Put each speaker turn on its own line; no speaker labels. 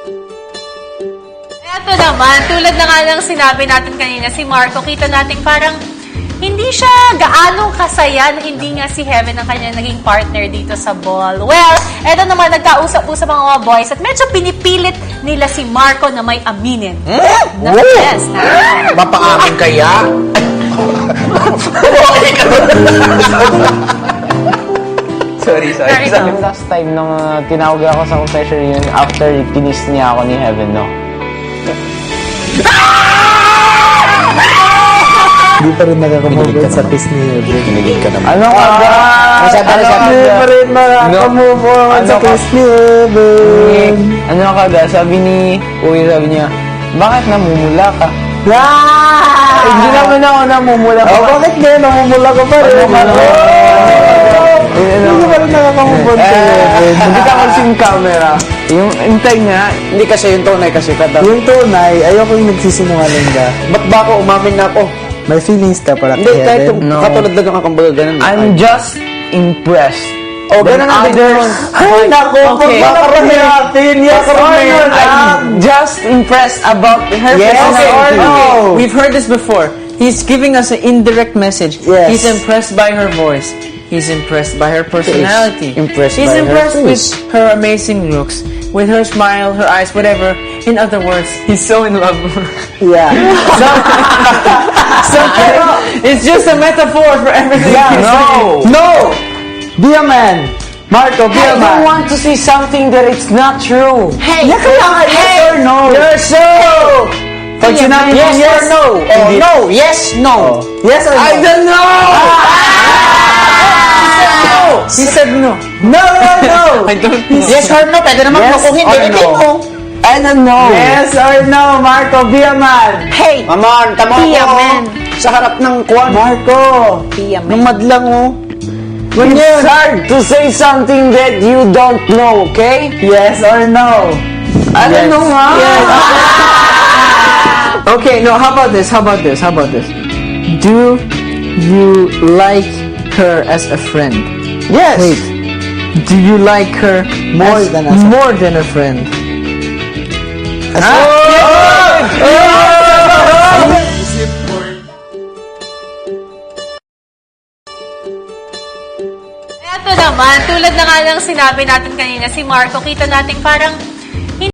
Eto naman, tulad na nga ng sinabi natin kanina, si Marco, kita natin parang hindi siya gaanong kasaya na hindi nga si Heaven ang kanya naging partner dito sa ball. Well, eto naman, nagkausap-usap mga boys at medyo pinipilit nila si Marco na may aminin. Na yes,
Mapaamin kaya? Sorry.
Last time nung tinawag ako sa confession yun, after kinis niya ako ni Heaven, no?
Hindi pa rin nakakamove sa kiss ni Heaven.
Kinilig ka naman.
Ano ka ba?
Hindi pa rin nakakamove sa kiss ni Heaven.
Ano ka ba? Sabi ni Uy, sabi niya, bakit namumula ka? Hindi naman ako namumula ka.
Bakit nga? Namumula ka pa rin. Hindi pa rin nakakamove sa Heaven.
Hindi ka kasi yung camera. Yung intay niya,
Hindi kasi yung tunay kasi kata.
Yung tunay, ayoko yung nagsisinungaling ka.
Ba't ba ako umamin na ako?
May feelings ka para
Hindi,
kay
kahit
Heaven.
yung katulad na kakambaga ganun.
I'm just impressed.
Oh, ganun ang
others.
Ay, naku,
Okay.
pagkakarami natin. Yes or no?
I'm just impressed about her
Yes
personality.
or no?
We've heard this before. He's giving us an indirect message.
Yes.
He's impressed by her voice. He's impressed by her personality.
impressed
He's
by her
impressed with
face.
her amazing looks, with her smile, her eyes, whatever. In other words, he's so in love with her.
Yeah.
So it's just a metaphor for everything.
Yeah,
he's saying.
No! Be a man. Marco, be a
I don't
man.
want to say something that it's not true.
Hey,
Yeah, kaya nga, yes or no?
you're so.
Pag sinabi mo
Yes or no? Oh, no, yes, no.
Yes or no?
I don't know!
He said no.
No, no, no.
I don't know.
Yes or no? Pwede naman
Yes
kung hindi,
or
hindi
no?
mo.
I don't know.
Yes or no, Marco, be a man.
Hey,
Maman, tama
Be a
ako.
man.
Sa harap ng kwan.
Marco.
be a
Ng
man.
madlang, oh.
It's hard to say something that you don't know, okay?
Yes or no?
I don't know nga.
Okay, no, how about this? Do you like her as a friend?
Yes.
Wait. Do you like her
More than as a-
more than a friend?
Eto naman, tulad na nga ng sinabi natin kanina, si Marco, kita natin parang